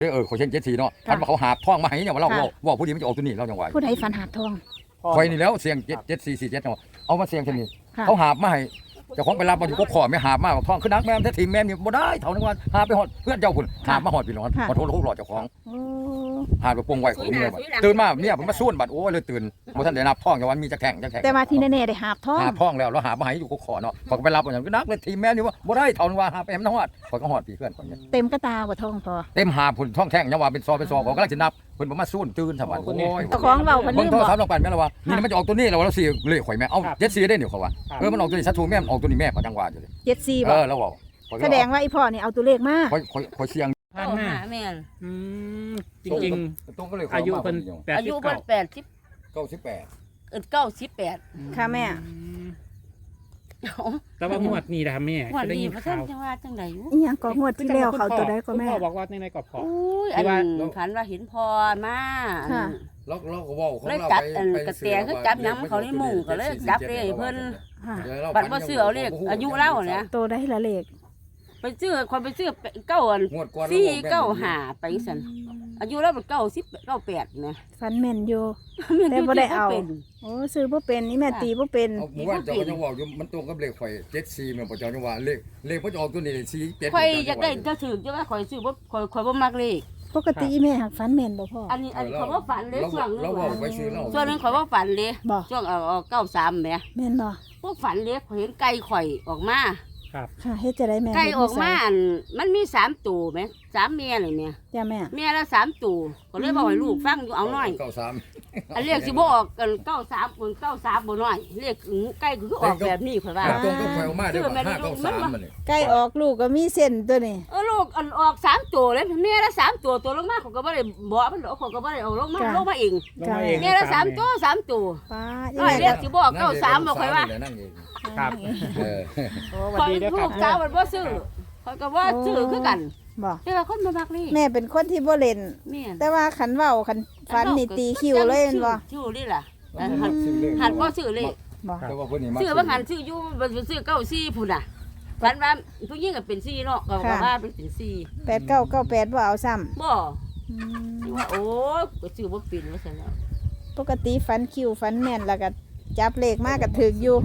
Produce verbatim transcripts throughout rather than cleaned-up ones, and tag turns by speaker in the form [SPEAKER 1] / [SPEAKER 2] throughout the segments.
[SPEAKER 1] เออเขาเช่นเจ็ดสี่เนาะพันว่าเขาหาท่องมาให้เนี่ยว่าเราว่าผู้ดีมันจะออกตัวนี้เราจังหวะ
[SPEAKER 2] ผู้ใดฝันหาบทอง
[SPEAKER 1] คอยนี่แล้วเสียงเจ็ดเจ็ดสี่สี่เจ็ดเนาะเอามาเสียงเช่นนี้เขาหาบมาให้เจ้าของไปรับมาอยู่ก็ขอไม่หาบมาท่องคือนักแม่แท้ทีมแม่นี่บ่ได้เท่านั้นว่าหาไปหอดเพื่อนเจ้าคุณหาบมาหอดพี่น้องขอโทษลูกหลอดเจ้าของหาไปปงไว้ของเมียบัดตื่นมาเนี่ยผมมาส่วนบัดโอ้เลยตื่นบ่ทันได้นับท่องจังวันมีจะแข่งจะแข่ง
[SPEAKER 2] แต่ว่าที่แน่ๆได้หาบทอง
[SPEAKER 1] หาท่องแล้วเราหามาให้อยู่ก็ขอเนาะขอไปรับอย่างคือนักเลยทีมแม่นี่ว่าบ่ได้เท่านั้นว่าหาไปแหมน้องหอดขอก็หอดพี่เพื่อนคนนี้
[SPEAKER 2] เต็มกระตาบ่ทองพอ
[SPEAKER 1] เต็มหาพุ่นท่องแข่งยังว่าเป็นซอเป็นซอของกำลังจะนับเพิ่นบ่มาส่วนตื่นสวัสดิ์โอ้ย
[SPEAKER 2] เจ้าของเว้าเพิ่นลืมบ่
[SPEAKER 1] เบิ่งโทรศัพท์ลงไปแม่นแล้วว่านี่มันจะออกตัวนี้แล้วเราสิเลขข่อยแม่เอ้าเจ็ดสี่ได้เดี๋ยวเขาว่าเออมันออกตัวนี้ชัดถูกแม่ออกตัวนี้แม่เขาจังว่าอยู่เลย
[SPEAKER 2] เจ็ดสี่
[SPEAKER 1] เอ
[SPEAKER 2] บ่
[SPEAKER 1] อแล้วเว้า
[SPEAKER 2] แสดงว่าอีพ่อนี่เอาตัวเลขมา
[SPEAKER 1] ข่อยข่อยข่อยเสียง
[SPEAKER 3] ผ่านมาแม่น
[SPEAKER 4] อืมจริง
[SPEAKER 1] ๆตรงก็เลย
[SPEAKER 4] ๆอายุเพิ่น
[SPEAKER 3] อายุเพิ่นแปดสิบ
[SPEAKER 1] เก้าสิบแปด
[SPEAKER 3] เออเก้าสิบแปด
[SPEAKER 2] ค่ะแม่
[SPEAKER 4] แต่ว่างวดนี้นะครับแม่
[SPEAKER 3] งวดนี้บ่ทันจังว่าจังได๋อยู่
[SPEAKER 2] อีหยังก็งวดที่แล้วเขาตัวใดก็แม่
[SPEAKER 4] พ่อบอกว่าในในกรอบพอ
[SPEAKER 3] อุ้ยอันฝันว่าเห็นพ่อมา
[SPEAKER 2] ค่ะ
[SPEAKER 1] ล็อกล็อกก็เว้าของ
[SPEAKER 3] เลย
[SPEAKER 1] เรา
[SPEAKER 3] จับ
[SPEAKER 1] ไป
[SPEAKER 3] อันกระแตคือจับหยังเขาในมุ้งก็เลยจับเลขเพิ่นบัดบ่ซื้อเอาเลขอายุเล่าเนี่ย
[SPEAKER 2] ตัวใดละเลข
[SPEAKER 3] ไปซื้อคนไปซื้อเก้าอันสี่เก้าห้าไปซั่นอายุแล้วเป็นเก้าสิบเก้าแปดนะ
[SPEAKER 2] ฟันแม่นอยู่แต่บ่ได้เอาโอ้ซื้อบ่เป็นนี่แม่ตีบ่เป็น
[SPEAKER 1] หมู่บ้านเจ้าก็ยังเว้าอยู่มันตรงกับเลขข่อยเจ็ดสี่แม่นบ่เจ้าจังว่าเลขเลขเพิ่นออกตัวนี้สี่เจ็ด
[SPEAKER 3] ข่อยอยากได้จะถือจะว่าข่อยซื้อบ่ข่อยข่อยบ่มักเลข
[SPEAKER 2] ปกติแม่หักฟันแม่นบ่พ่อ
[SPEAKER 3] อันนี้อันเขาว่าฝันเลยช่วงนึง
[SPEAKER 1] ช่วง
[SPEAKER 3] นึงเขาว่าฝันเลยช่วงเอาเอาเก้าสามแหม
[SPEAKER 2] แม่นบ่
[SPEAKER 3] พวกฝันเลยเห็นไก่ข่อยออกมา
[SPEAKER 4] ครับ
[SPEAKER 2] ค่ะเฮ็ดจะได้แม่
[SPEAKER 3] ไก่ออกมาอันมันมีสามตัวไหมสามเมียเลยเนี่ย
[SPEAKER 2] จ้าแม่
[SPEAKER 3] เมียละสามตัวก็เลยบอกให้ลูกฟังอยู่เอาหน่อย
[SPEAKER 1] เก้าสาม
[SPEAKER 3] อันเรียกสิบ่ออกกันเก้าสามบนเก้าสามบ่น้อยเรียกไก่คือออกแบบนี้ข่อยว่า
[SPEAKER 1] ตรงก็ข่อยออกมาได้ว่าห้าเก้าสามมันนี่
[SPEAKER 2] ไก่ออกลูกก็มีเส้นตัวนี้
[SPEAKER 3] เออลูกอันออกสามตัวเลยเมียละสามตัวตัวลงมาเขาก็บ่ได้บอกมันเขาก็บ่ได้เอาลงมาลงมาเองเมียละสามตัวสามตัว
[SPEAKER 2] ป้า
[SPEAKER 3] เรียกสิบ่ออกเก้าสามบ่ข่อยว่า
[SPEAKER 4] ครับ
[SPEAKER 3] โอ้สวัสดีเด้อครับลูกสาวมันบ่ซื้อข่อยก็บ่ซื้อคือกัน
[SPEAKER 2] บ่
[SPEAKER 3] แต่ว่าคนบ่มักนี่
[SPEAKER 2] แม่เป็นคนที่บ่เล่นแต่ว่าขันเว้าขันฟันนี่ตีคิวเลยแม่นบ่
[SPEAKER 3] คิวนี่ล่ะหันหันบ่ซื้อเลย
[SPEAKER 2] บ่
[SPEAKER 1] แต่ว่าเพิ่นนี่มา
[SPEAKER 3] ซื้อบ่หันซื้ออยู่บ่ซื้อเก้าสี่พุ่นน่ะฝันว่าผู้หญิงก็เป็นสี่เนาะก็ว่าเป็นสี่
[SPEAKER 2] แปดเก้าเก้าแปดบ่เอาซ้ำ
[SPEAKER 3] บ่ว่าโอ้ก็ซื้อบ่เป็นว่าซั่นแล้ว
[SPEAKER 2] ปกติฟันคิวฟันแม่นแล้วก็จับเลขมาก็ถึกอยู่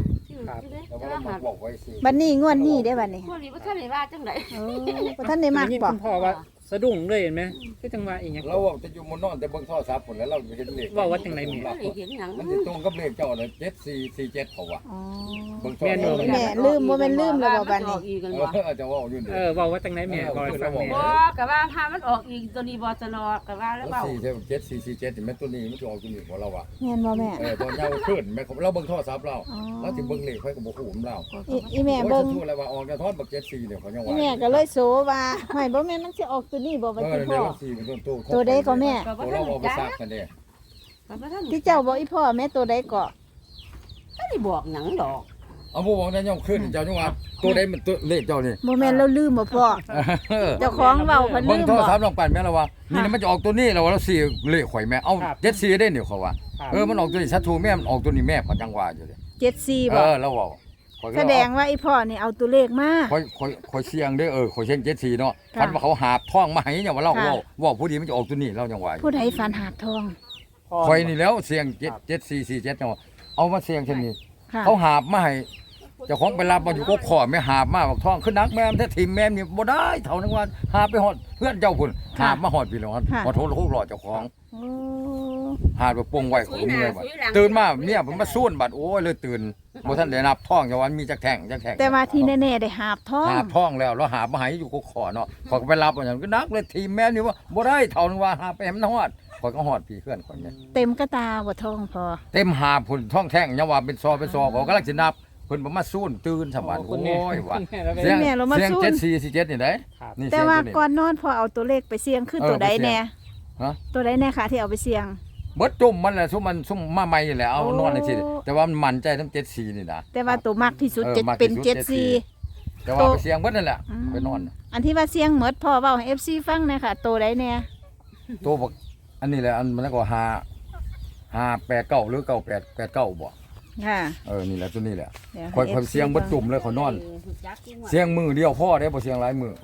[SPEAKER 2] บัดนี้งวดนี้ได้บัดนี้
[SPEAKER 3] งวดนี้บ่ทันได้ว่าจังได๋
[SPEAKER 2] โอ้บ่ทันได้มักบ่
[SPEAKER 4] พ่อว่าสะดุ้งเลยเห็นไหมคือจังว่าอีหยัง
[SPEAKER 1] เราจะอยู่มนนอนแต่เบิ่งโทรศัพท์พุ่นแล้วเราเห็นเลข
[SPEAKER 4] ว่าว่าจังได๋แม่
[SPEAKER 3] เห็นหยัง
[SPEAKER 1] มันสิตรงกับเลขเจ้าน่ะเจ็ดสี่สี่เจ็ดเขาว่า
[SPEAKER 2] อ๋อ
[SPEAKER 1] เบิ่งโทร
[SPEAKER 2] ศัพท์แม่ลืมบ่แม่นลืมแล้วบ่บัดนี้
[SPEAKER 1] เออจะว่าอยู่นี่
[SPEAKER 4] เออว่าว่าจังได๋แม่บ่ฟังแม่
[SPEAKER 3] บ่ก็ว่าถ้ามันออกอีกตัวนี้บ่จะนอก็ว่าแล้วเว้า
[SPEAKER 1] สี่เจ็ดสี่สี่เจ็ดนี่แม่ตัวนี้มันจะออกตัวนี้ของเราอ่ะ
[SPEAKER 2] แม่นบ่แม่
[SPEAKER 1] เออตอนเช้าขึ้นแม่เราเบิ่งโทรศัพท์เราเราสิเบิ่งเลขไผก็บ่ฮู้ของเรา
[SPEAKER 2] อีแม่เบิ่ง
[SPEAKER 1] ทู่แล้วว่าออกกระทอดบักเจ็ดสี่เนี่ยเขายังว่า
[SPEAKER 2] อีแม่ก็เลยโสว่าห้อยบ่แม่นมันสิออกตัวนี้บ่บัดนี้พ่อตัวใดก็แม่
[SPEAKER 1] เราเอาไปซักกันเด้
[SPEAKER 2] ที่เจ้าบอกอีพ่อแม่ตัวใดก็
[SPEAKER 3] บ่ได้บอกหยังดอก
[SPEAKER 1] เอาบ่บอกได้ย่อมขึ้นเจ้าจังว่าตัวใดมันตัวเลขเจ้านี่
[SPEAKER 2] บ่แม่นเราลืมบ่พ่อเจ้าของเว้าเพิ่นลืมบ่
[SPEAKER 1] เบิ่งโทรศัพท์ลองปั่นแม่ละว่านี่มันจะออกตัวนี้แล้วเราสิเลขข่อยแม่เอ้าเจ็ดสี่ได้เนี่ยเขาว่าเออมันออกตัวนี้ชัดถูกแม่มันออกตัวนี้แม่เขาจังว่าอยู่เลย
[SPEAKER 2] เจ็ดสี่บ่
[SPEAKER 1] เออแล้วเว้า
[SPEAKER 2] แสดงว่าอีพ่อนี่เอาตัวเลขมา
[SPEAKER 1] ข่อยข่อยข่อยเสียงเด้อเออข่อยเช่นเจ็ดสี่เนาะพันว่าเขาหาบท่องมาให้เนี่ยว่าเราเว้าว่าผู้ดีมันจะออกตัวนี้เราจังว่า
[SPEAKER 2] ผู้ใดฝันหาบทอง
[SPEAKER 1] ข่อยนี่แล้วเสียงเจ็ด เจ็ดสี่สี่เจ็ดเนาะเอามาเสียงเช่นนี้เขาหาบมาให้เจ้าของไปรับมาอยู่ก็ขอไม่หาบมาบอกท่องคือนักแม่แท้ทีมแม่นี่บ่ได้เท่านั้นว่าหาไปฮอดเพื่อนเจ้าพุ่นหาบมาฮอดพี่น้องขอโทษลูกหลอดเจ้าของหาไปปงไว้ของเมียบัดตื่นมาเนี่ยผมมาส่วนบัดโอ้ยเลยตื่นบ่ทันได้นับท่องจังวันมีจะแข่งจะแข่ง
[SPEAKER 2] แต่ว่าที่แน่ๆได้หาบทอง
[SPEAKER 1] หาบท่องแล้วเราหามาให้อยู่ก็ขอเนาะขอไปรับอย่างคือนักเลยทีมแม่นี่ว่าบ่ได้เท่านั้นว่าหาไปแหมฮอดขอยก็ฮอดพี่เพื่อนคนนี้
[SPEAKER 2] เต็มกระตาบ่ทองพอ
[SPEAKER 1] เต็มหาพุ่นท่องแท่งยังว่าเป็นซอเป็นซอก็กำลังสินับเพิ่นบ่มาสู้ตื่นสบายโอ้ยว่าเสียงเสียงเจ็ดสี่สี่เจ็ดนี่ได้
[SPEAKER 2] แต่ว่าก่อนนอนพอเอาตัวเลขไปเสี่ยงคือตัวใดแน่
[SPEAKER 1] ฮะ
[SPEAKER 2] ตัวใดแน่ค่ะที่เอาไปเสี่ยง
[SPEAKER 1] เบิดจุ่มมันแหละซุมมันซุมมาใหม่นี่แหละเอานอนจังซี่แต่ว่ามันมั่นใจทั้งเจ็ดสี่นี่นะ
[SPEAKER 2] แต่ว่าตัวมักที่สุดจะเป็นเจ็ดสี่
[SPEAKER 1] แต่ว่าไปเสี่ยงเบิดนั่นแหละไปนอน
[SPEAKER 2] อันที่ว่าเสี่ยงหมดพอเว้าให้ เอฟ ซี ฟังหน่อยค่ะตัวใดแน่
[SPEAKER 1] ตัวบักอันนี้แหละอันมันก็ห้า ห้า แปด เก้าหรือเก้า แปด แปด เก้าบ่ค่ะเออนี่แหละตัวนี้แหละค่อยๆเสียงบ่จุ่มเลยเขานอนเสียงมือเดียวพ่อได้บ่เสียงหลายมือเอ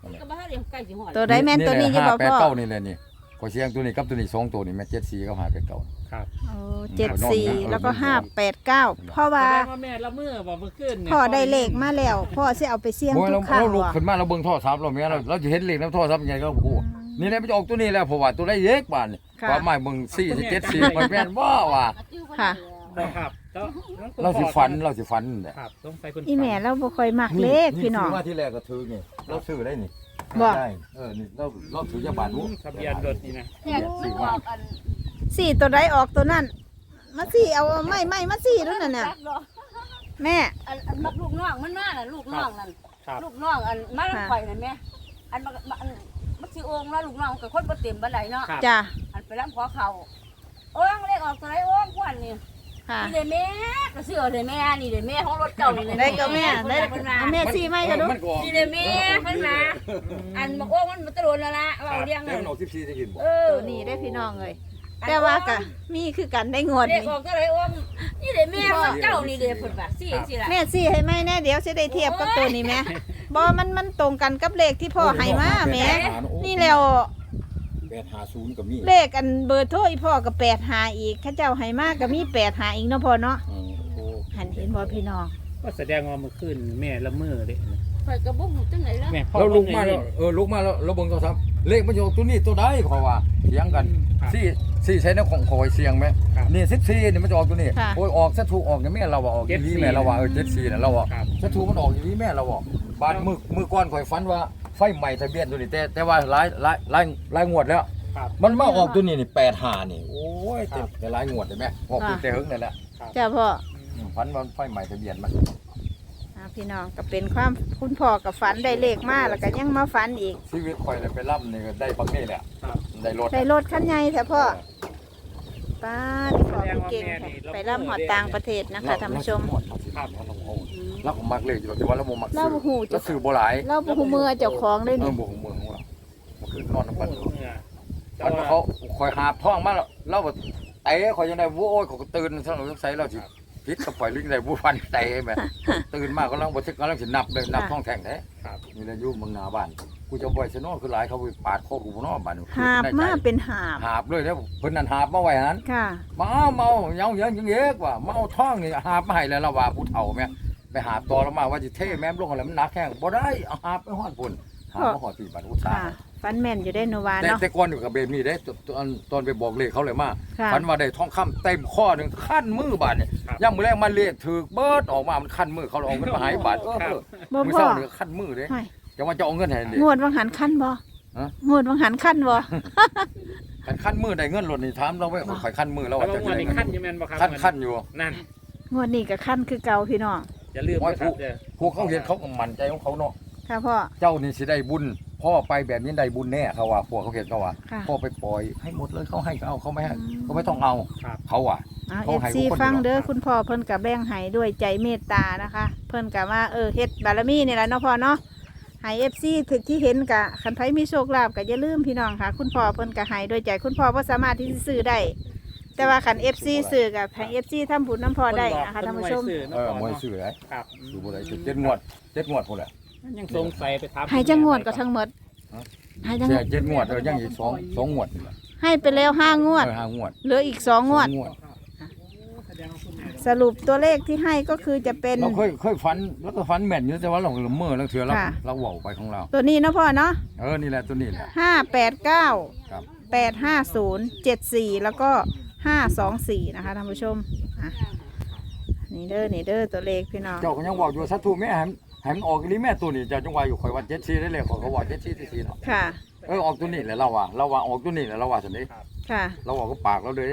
[SPEAKER 3] ก็บ่ทันได้ใกล้สิฮอด
[SPEAKER 2] ตัวใดแม่นตัวนี้อยู่บ่
[SPEAKER 1] ห้าแปด
[SPEAKER 2] พ่อ
[SPEAKER 1] เก้านี่แหละนี่ขอเสียงตัวนี้กับตัวนี้สองตัวนี่แม่เจ็ดสี่ก็หาแปดเก้า
[SPEAKER 4] ครับ
[SPEAKER 2] โอ้เจ็ดสี่แล้วก็ห้าแปดเก้าเพราะว่า
[SPEAKER 4] แสดงว่าแม่ละเมื่อบอกเมื่อคืนเนี่ย
[SPEAKER 2] พ่อได้เลขมาแล้วพ่อสิเอาไปเสี่ยง
[SPEAKER 1] โอ้ย
[SPEAKER 2] ทุ
[SPEAKER 1] เรา
[SPEAKER 2] กครั้ง
[SPEAKER 1] เราลุก
[SPEAKER 2] ว่ะ
[SPEAKER 1] ขึ้นมาเราเบิ่งโทรศัพท์เราแม่เราเราจะเห็นเลขในโทรศัพท์ยังไงก็โอ้นี่แหละมันจะออกตัวนี้แล้วเพราะว่าตัวได้เยอะบาดนี่
[SPEAKER 2] ค่ะ
[SPEAKER 1] ว่าไม่เบิ่งสี่เจ็ดสี่มันแม่นว่าว่า
[SPEAKER 2] ค่ะ
[SPEAKER 4] ครับแล้วแล้วคุณ
[SPEAKER 1] เราสิ
[SPEAKER 4] พ่อ
[SPEAKER 1] ฝันเราสิฝันนั่นแหละ
[SPEAKER 4] ครับต้องใส่คุณ
[SPEAKER 2] อีแม่เราบ่ค่อยมักเลขพี่น้อง
[SPEAKER 1] ซื้มาที่แรกก็ถือนี่เราซื้อได้นี่
[SPEAKER 2] บ่
[SPEAKER 1] ได้เออนี่เราเราถือจะบาทรู้
[SPEAKER 4] ทะเบียนรถนี่นะ
[SPEAKER 3] เนี่ยมันออกอัน
[SPEAKER 2] สี่ตัวใดออกตัวนั้นมาสี่เอาไม่ไม่มาสี่แล้วนั่นน่ะแม่
[SPEAKER 3] อันอันมักลูกน้องมันมาน่ะลูกน้องนั่น
[SPEAKER 4] ครับ
[SPEAKER 3] ลูกน้องอันมาลำข่อยนั่นแม่อันมันอันมันสิโอ่งแล้วลูกน้องกับคนบ่เต็มบันไดเนาะ
[SPEAKER 4] ครับ
[SPEAKER 2] จ้ะ
[SPEAKER 3] อันไปลำขอเขาโอ้ยเลขออกตัวไหนโอ้ยควันนี่
[SPEAKER 2] ค่ะ
[SPEAKER 3] นี่เด้แม่ก็ซื้อเอาเด้แม่นี่เด้แม่ของรถเก่านี่
[SPEAKER 2] ได้ก็แม่ได้เอาแม่สี่ไม่ก็ดู
[SPEAKER 1] มันก็ออก
[SPEAKER 3] นี่เด้แม่เพิ่นมาอันบอกโอ้มันมันตะโดนแล้วล่ะเอาเรียง
[SPEAKER 1] แต่
[SPEAKER 3] นั่น
[SPEAKER 1] มันออกสิบสี่จะกินบ่
[SPEAKER 3] เออ
[SPEAKER 2] ตัวนี้ได้พี่น้องเลยแต่ว่าก็มีคือกันได้งวด
[SPEAKER 3] เลข
[SPEAKER 2] นี้
[SPEAKER 3] ออกตัวไหนโอ้นี่เด้แม่ของเก่านี่เด้เพิ่นว่าสิสิล่ะ
[SPEAKER 2] แม่สี่ให้ไหมแน่เดี๋ยวจะได้เทียบกับตัวนี้แม่บ่มันมันตรงกันกับเลขที่พ่อให้มาแม่นี่แล้ว
[SPEAKER 1] แปดห้าศูนย์ก็มี
[SPEAKER 2] เลขอันเบอร์โทรอีพ่อก็แปดหาอีกข้าเจ้าให้มาก็มีแปดหาอีกเนาะพ่อเนาะ
[SPEAKER 1] อืมโอ้
[SPEAKER 2] หันเห็นบ่พี่น้อง
[SPEAKER 4] ก็แสดงว่าเมื่อคืนแม่ละเมื่อเลย
[SPEAKER 3] ข่อยก็บ่ฮู้จังได๋ล่ะ
[SPEAKER 4] แม่พ่อ
[SPEAKER 1] เราลุกมา
[SPEAKER 4] เบิ่
[SPEAKER 1] แล้ว
[SPEAKER 4] งเลย
[SPEAKER 1] เออลุกมาแล้วเราเบิ่งโทรศัพท์เลขมันอยู่ตัวนี้ตัวใดขอว่าเถียงกัน
[SPEAKER 4] ครับ
[SPEAKER 1] สี่สี่ใช้ในของคอยเสียงไหม
[SPEAKER 4] ครับ
[SPEAKER 1] นี่สิบสี่นี่มันจะออกตัวนี้
[SPEAKER 2] ค่ะ
[SPEAKER 1] โอ้ยออกซะถูกออกอย่างแม่เราว่าออกอย่างนี้แม่เราว่าเออเจ็ดสี่น่ะเราว่า
[SPEAKER 4] ครับ
[SPEAKER 1] ซะถูกมันออกอย่างนี้แม่เราว่าบาดมือมือก้อนข่อยฝันว่าไฟใหม่ทะเบียนตัวนี้แต่แต่ว่าหลายหลายหลายหลายงวดแล้ว
[SPEAKER 4] ครับ
[SPEAKER 1] มันมาออกตัวนี้นี่แปดห้านี่โอ้ย
[SPEAKER 4] ครั
[SPEAKER 1] แต่
[SPEAKER 4] บ
[SPEAKER 1] แต่หลายงวดเห็นไหมออกตัวแต่หึงนั่นแหละ
[SPEAKER 2] จ้าพ่อ
[SPEAKER 1] อืมฝันว่าไฟใหม่ทะเบียนมัน
[SPEAKER 2] อ่าพี่น้องก็เป็นความคุณพ่อกับฝันได้เลขมาแล้วก็ยังมาฝันอีก
[SPEAKER 1] ชีวิตข่อยเลยไปร่ำนี่ก็ได้บักนี่แหละ
[SPEAKER 4] ครับ
[SPEAKER 1] ได้รถ
[SPEAKER 2] ได้รถคันใหญ่แท้พ่อป้าที่พ่อไปเก่งแท้ไปร่ำหอดต่างประเทศนะคะท่านผู้ชม
[SPEAKER 1] ครับเราก็มักเลยอยู่แต่ว่าเราบ่มัก
[SPEAKER 2] เรา
[SPEAKER 1] ซื้อ
[SPEAKER 2] บ่ฮู้
[SPEAKER 1] เรา
[SPEAKER 2] จะ
[SPEAKER 1] ซื้อบ่หลาย
[SPEAKER 2] เราบ่ฮู้มือเจ้าของเลย
[SPEAKER 1] เออ
[SPEAKER 2] นี่
[SPEAKER 1] บ่ฮู้มือของเรามันคือนอนน้ำ
[SPEAKER 4] เมื่
[SPEAKER 1] ปัน
[SPEAKER 4] อ
[SPEAKER 1] ปันว่าเขาคอยหาบท้องมาแล้วเราก็เตะคอยยังได้โว้ยเขาก็ตื่นซะหน่อยสงสัยเราสิพิษก็ปล่อยลิงได้บ่ฟันเตะแม่ตื่นมาก็ลังบ่ทึกกำลังสินับเลยนับท้องแท่งแท้
[SPEAKER 4] ครับ
[SPEAKER 1] นี่แหละอยู่เมืองหน้าบ้านกูจะบ่อยซะเนาะคือหลายเขาไปปาดคอกูบ่เนาะบ้าน
[SPEAKER 2] หาบมาเป็นหาบ
[SPEAKER 1] หาบเลยเด้อเพิ่นนั่นหาบมาไว้หั่น
[SPEAKER 2] ค่ะ
[SPEAKER 1] มาเอาเมาเยาเยอะยังเยอะกว่ามาเอาท้องนี่หาบมาให้แล้วเราว่าผู้เฒ่าแม่ไปหาบต่อแล้วมาว่าสิเทแม่มลงอะไรมันหนักแข้งบ่ได้เอาหาบไปฮอดพุ่นหาบมาฮอดที่บ้านอุตสา
[SPEAKER 2] ค่ะ
[SPEAKER 1] ห
[SPEAKER 2] ฝันแม่นอยู่ได้โนวา
[SPEAKER 1] แต่
[SPEAKER 2] เนาะ
[SPEAKER 1] แต่ก่อนอยู่กับเบมี่เด้ตตอนตอนไปบอกเลขเขาเลยมา
[SPEAKER 2] ค่ะ
[SPEAKER 1] ฝันว่าได้ทองคำเต็มข้อหนึงขั้นมือบาดเนี่ยย่ำมือแรกมันเลขถือเบิดออกมามันขั้นมือเขาเลยเอาเงินมาให้บาทเออเออ
[SPEAKER 2] บ่
[SPEAKER 1] มือ
[SPEAKER 2] พ่อ
[SPEAKER 1] เศร้าเนี่ยขั้นมือเด้
[SPEAKER 2] ห้อย
[SPEAKER 1] จะว่าจะเอาเงินให้เด้
[SPEAKER 2] งวดวังหันขั้นบ่
[SPEAKER 1] ฮะ
[SPEAKER 2] งวดวังหันขั้นบ่
[SPEAKER 1] คันขั้นมือได้เงินหล่นนี่ถามเราไว้ข่อยขั้นมือแล้ว
[SPEAKER 4] แล้ว
[SPEAKER 1] ว่าจะ
[SPEAKER 4] วัน
[SPEAKER 1] ได้
[SPEAKER 4] นี้
[SPEAKER 1] เงิ
[SPEAKER 4] ขั้น
[SPEAKER 1] น
[SPEAKER 4] อยังแม่นบ่ครับ
[SPEAKER 1] ขั้นขั้นอยู่
[SPEAKER 4] นั่น
[SPEAKER 2] งวดนี้ก็ขั้นคือเก่าพี่น้อง
[SPEAKER 4] อย่าลืมนะครับเด้อ
[SPEAKER 1] พวกเขาเห็นเขาก็มั่นใจของเขาเนาะ
[SPEAKER 2] ค่ะพ่อ
[SPEAKER 1] เจ้านี่สิได้บุญพ่อไปแบบนี้ได้บุญแน่เขาว่าพวกเขาเห็นเขาว่า
[SPEAKER 2] ค่ะ
[SPEAKER 1] พ่อไปปล่อยให้หมดเลยเขาให้ก็เอาเขาไม่ให้
[SPEAKER 2] อืม
[SPEAKER 1] เขาไม่ต้องเอา
[SPEAKER 4] ครับ
[SPEAKER 1] เขาอ่ะ
[SPEAKER 2] เอา
[SPEAKER 1] เขาให้
[SPEAKER 2] เอฟซี
[SPEAKER 1] ทุกคน
[SPEAKER 2] ฟังเด้อ
[SPEAKER 1] อยู่แล้ว
[SPEAKER 2] คุณพ่อเพิ่นกับแบ่งให้ด้วยใจเมตตานะคะ เพิ่นกับว่าเออเฮ็ดบารมีนี่แหละเนาะพ่อเนาะให้เอฟซีถึกที่เห็นกะคันไผมีโชคลาภก็อย่าลืมพี่น้องค่ะ คุณพ่อเพิ่นก็ให้ด้วยใจคุณพ่อบ่สามารถที่จะซื้อได้ แต่ว่าคัน เอฟ ซี ซื้อกับให้ เอฟ ซี ทำบุญน้ำพ่อได้นะคะท่านผู้ชม
[SPEAKER 1] เออมวยซื้อได้
[SPEAKER 4] ครับ
[SPEAKER 1] ซื้อบ่ได้ซื้อเจ็ดงวดเจ็ดงวดพุ่นแหละ
[SPEAKER 4] ยังสงสัยไปถาม
[SPEAKER 2] ให้จังงวดก็ทั้งหมด
[SPEAKER 1] ฮะ
[SPEAKER 2] ให้จัง
[SPEAKER 1] เสียเจ็ดงวดเออยังอีกสองสองงวดนี่แหละ
[SPEAKER 2] ให้ไปแล้วห้างวด
[SPEAKER 1] เออห้างวด
[SPEAKER 2] เหลืออีกสองงวด
[SPEAKER 1] สองงวด
[SPEAKER 4] แสดงว่าคุณแม่
[SPEAKER 2] สรุปตัวเลขที่ให้ก็คือจะเป็น
[SPEAKER 1] เราเคยเคยฝันแล้วก็ฝันแม่นอยู่แต่ว่าเราละเมอแล้วเถื่อเรา
[SPEAKER 2] ค่ะ
[SPEAKER 1] เราเว้าไปของเรา
[SPEAKER 2] ตัวนี้เนาะพ่อเนาะ
[SPEAKER 1] เออนี่แหละตัวนี้แหละ
[SPEAKER 2] ห้าแปดเก้า
[SPEAKER 1] ครับ
[SPEAKER 2] แปดห้าศูนย์เจ็ดสี่แล้วก็ห้าสองสี่นะคะท่านผู้ชมอ่ะนี่เด้อนี่เด้อตัวเลขพี่น้อง
[SPEAKER 1] เจ้าก็ยังบอกอยู่สัตว์ถูกแม่ให้มันให้มันออกอีหลีแม่ตัวนี้เจ้าจังว่าอยู่ข่อยว่าเจ็ดสี่ได้เลยข่อยก็ว่าเจ็ดสี่สี่สี่เนาะ
[SPEAKER 2] ค่ะ
[SPEAKER 1] เออออกตัวนี้แหละเราว่าเราว่าออกตัวนี้แหละเราว่าซั่นเด้
[SPEAKER 2] ค่ะ
[SPEAKER 1] เราบอกก็ปากเราเลย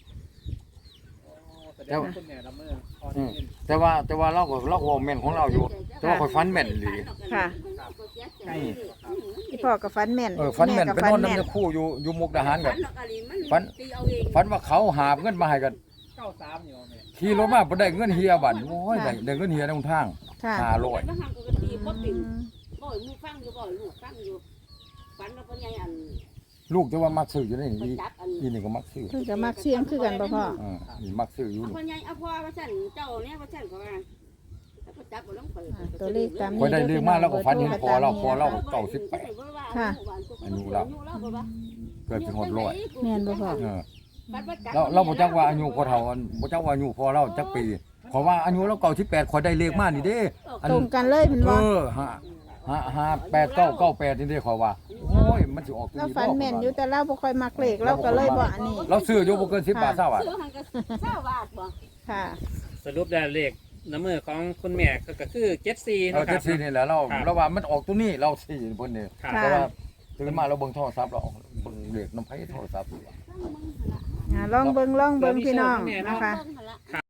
[SPEAKER 4] แสดงว่าคุณแม่ละเมื่อพอได้
[SPEAKER 1] อืม
[SPEAKER 4] ยิน
[SPEAKER 1] แต่ว่าแต่ว่าเราก็เราก็เว้าแม่นของเราอยู่ แต่ว่าข่อยฝันแม่นอีหลี
[SPEAKER 2] ค่ะ พี่พ่อกับฟันแม่น
[SPEAKER 1] เออฝันแม่น
[SPEAKER 2] กับ
[SPEAKER 1] ไป
[SPEAKER 2] ฟั
[SPEAKER 1] นอน
[SPEAKER 2] แม่น
[SPEAKER 1] น้ำคู่อยู่อยู่มุกดาหารกัน ฝั
[SPEAKER 3] ฝั
[SPEAKER 1] น
[SPEAKER 3] น
[SPEAKER 1] ฝันว่าเขาหาบเงินมาให้กัน
[SPEAKER 4] เก้าสามอยู่แม่
[SPEAKER 1] ขี่รถมาบ่ได้เงินเฮียบัดโอ้ยได้ได้เงินเฮียในหนทาง
[SPEAKER 2] ค่ะ
[SPEAKER 1] ห้าร้อย
[SPEAKER 2] อืม
[SPEAKER 3] บ่อยมูฟังอยู่บ่อยลูกฟังอยู่ฝันแล้วก็ยังอัน
[SPEAKER 1] ลูกจะว่ามักซื้ออยู่นี่
[SPEAKER 3] ไป
[SPEAKER 1] อี
[SPEAKER 3] จับอัน
[SPEAKER 1] อีนี่ก็มักซื้อ
[SPEAKER 2] เพิ่นก็มักเสียงคือกันบ่พ่อ
[SPEAKER 1] อ่านี่มักซื้ออยู่
[SPEAKER 3] เอา
[SPEAKER 1] นี่
[SPEAKER 3] พ่อใหญ่เอาพ่อว่าซั่นเจ้าเนี่ยว่าซั่นก็ว่าแล้วก็จับบ่ลงไป
[SPEAKER 2] อ่าตัวเลขตาม
[SPEAKER 1] คอยได้เลขมาแล้วก็ฝันเห็นพอเราพอเรา
[SPEAKER 2] ค่ะ
[SPEAKER 1] เก้าสิบแปด
[SPEAKER 2] ค่ะ
[SPEAKER 1] อายุเรา เกิดเป็นหดร้อย
[SPEAKER 2] แม่นบ่พ่อ
[SPEAKER 1] เออเราเราบ่จักว่าอายุพอเฒ่าอันบ่จักว่าอายุพอเราจักปีเพราะว่าอายุเราเก้าสิบแปดคอยได้เลขมานี่เด้อัน
[SPEAKER 2] ตรงกันเลยเป็น
[SPEAKER 1] เอ
[SPEAKER 2] บ่
[SPEAKER 1] อห้าห้าห้าแปดเก้าเก้าแปดนี่เด้ขอยว่าโอ้ยมันสิออกตัว
[SPEAKER 2] เรา
[SPEAKER 1] นี้
[SPEAKER 2] ฝันแม่นอยู่แต่เราบ่ค่อยมักเลขเราก็เลยบ่อันนี้
[SPEAKER 1] เราซื้ออยู่บ่เกินสิบบาทเท่าบาท
[SPEAKER 3] ซื้อหันก็เศร้าบาทบ่
[SPEAKER 2] ค่ะ
[SPEAKER 4] สรุปได้เลขน้ำมือของคุณแม่ก็ก็คือเจ็ดสี่
[SPEAKER 1] เออ
[SPEAKER 4] นาะค
[SPEAKER 1] เจ็
[SPEAKER 4] รั
[SPEAKER 1] ด
[SPEAKER 4] บ
[SPEAKER 1] สี่นี่แหละเรา
[SPEAKER 4] ครับ
[SPEAKER 1] เราว่ามันออกตัวนี้เราสี่เพิ่นนี่
[SPEAKER 4] ครับ
[SPEAKER 1] แต่ว่าตื่นมาเราเบิ่งโทรศัพท์เราเบิ่งเลขน้ำไผโทรศัพท์
[SPEAKER 2] อ่าลองเบิ่งลองเบิ่งพี่น้องนะคะ
[SPEAKER 3] เบิ่งหั่นล่ะ